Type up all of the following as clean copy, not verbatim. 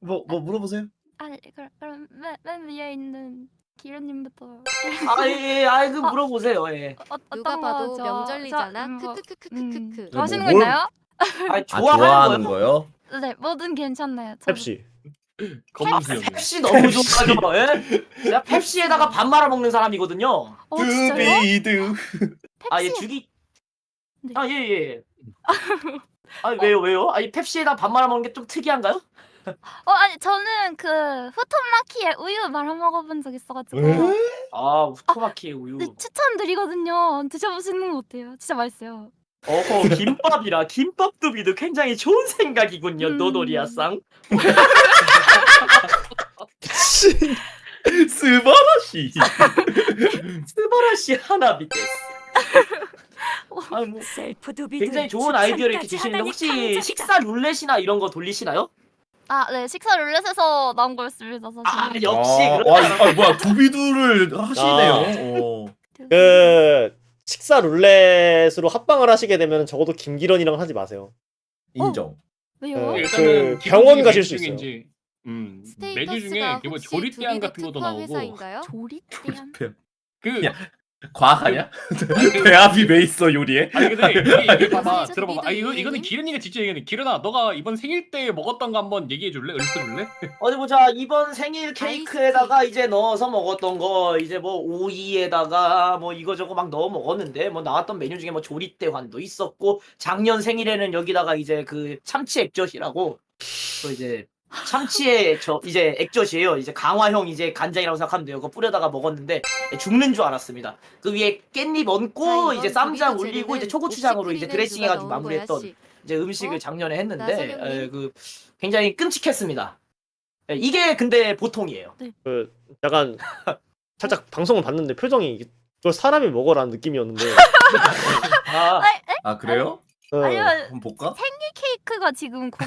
뭐 물어보세요. 아니 그럼 맨 위에 있는 기련님부터. 그 물어보세요. 예. 누가 어떤 봐도 거죠? 명절이잖아. 뭐, 크크크크크크크. 좋아하시는 거 뭘- 있나요? 좋아하는 거요? 네, 뭐든 괜찮나요. 펩시. 검은수염. 펩시 너무 좋아하죠. 예? 제가 펩시에다가 밥 말아 먹는 사람이거든요. 진짜요? 두비두. 아, 얘 펩시. 죽이. 네. 아, 예. 왜요? 아니, 펩시에다 밥 말아 먹는 게 좀 특이한가요? 아니 저는 그 후토마키에 우유 말아 먹어본 적 있어가지고. 아, 우토마키 우유. 네, 추천드리거든요. 드셔보시는 거 어때요? 진짜 맛있어요. 어허, 김밥이라 김밥두비도 굉장히 좋은 생각이군요, 노도리아상. 스바라시. 스바라시 하나비 데스. 아니 뭐 굉장히 좋은 아이디어를 이렇게 주시는데 혹시 식사 룰렛이나 이런 거 돌리시나요? 네, 식사 룰렛에서 나온 거였습니다, 사실. 역시 뭐야 두비두를 하시네요. 그 식사 룰렛으로 합방을 하시게 되면 적어도 김기련이랑 하지 마세요. 인정. 왜요? 일단은 그 병원 가실 메뉴 수 있어요. 중에 메뉴 스테이터스가 중에 뭐 혹시 조리대안 두비두 같은 것도 특화 나오고 회사인가요? 조리대한. 그 야. 과학하냐? 그- 배합이 왜 있어 요리에? 아니 근데 이게 봐봐 진짜 들어봐봐. 이거는 미드님? 기련이가 직접 얘기하는. 기련아 너가 이번 생일 때 먹었던 거 한번 얘기해 줄래? 읊어줄래? 어디 보자. 이번 생일 케이크에다가 이제 넣어서 먹었던 거 이제 뭐 오이에다가 뭐 이거저거 막 넣어 먹었는데 뭐 나왔던 메뉴 중에 뭐 조리대환도 있었고 작년 생일에는 여기다가 이제 그 참치 액젓이라고 또 이제 참치의 이제 액젓이에요. 이제 강화형 이제 간장이라고 생각하면 돼요. 그거 뿌려다가 먹었는데 죽는 줄 알았습니다. 그 위에 깻잎 얹고 이제 쌈장 올리고 이제 초고추장으로 이제 드레싱 해가지고 마무리했던 이제 음식을 작년에 했는데 나선영님? 그 굉장히 끔찍했습니다. 이게 근데 보통이에요. 그 약간 살짝 방송을 봤는데 표정이 이걸 사람이 먹어라는 느낌이었는데. 아 그래요? 아니요, 한번 볼까? 케이크가 지금 거기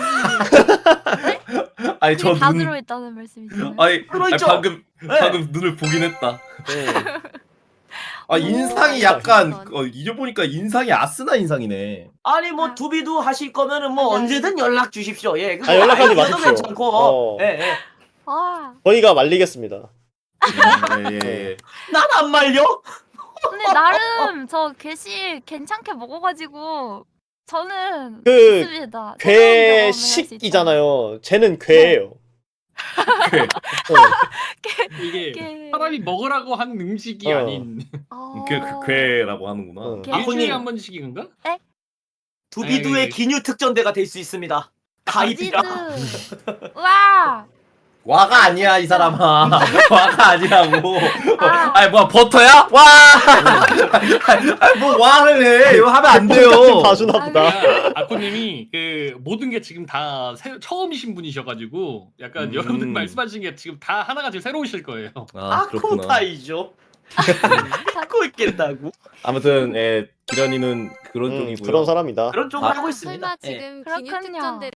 아니 그게 다 눈- 들어있다는 말씀이시죠? 아니 들어있죠? 방금 네. 눈을 보긴 했다. 네. 아 인상이 약간 오. 잊어보니까 인상이 아스나 인상이네. 아니 뭐 두비두 하실 거면은 뭐 맞아요. 언제든 연락 주십시오. 예. 그거 연락하지 아이디어도 마십시오. 괜찮고. 예. 저희가 말리겠습니다. 예. 난 안 말려. 근데 나름 저 괴식 괜찮게 먹어가지고 저는 그 좋습니다. 새로운 경험을 할수 있다. 괴식이잖아요. 쟤는 괴예요. 그 이게 게- 사람이 먹으라고 한 음식이 아닌. 괴라고 하는구나. 응. 게- 아군님. 일주일에 한 번씩인 건가? 두비두의 아니, 기뉴 특전대가 될 수 있습니다. 가입이라. 두비두. 와. 와가 아니야 이 사람아. 와가 아니라고. 아. 아니 뭐야 버터야? 와. 아니 뭐 와를 해. 이거 하면 안 돼요. 똑같은 봐주나 보다. 아코님이 그 모든 게 지금 다 처음이신 분이셔가지고 약간 여러분들 말씀하신 게 지금 다 하나가 지금 새로우실 거예요. 아 그렇구나. 아코타이죠. 하고 있겠다고. 아무튼 기련이는 그런 쪽이고요. 그런 사람이다. 그런 쪽으로 아, 하고 있습니다. 설마 예. 지금 그렇군요. 기뉴 특전대를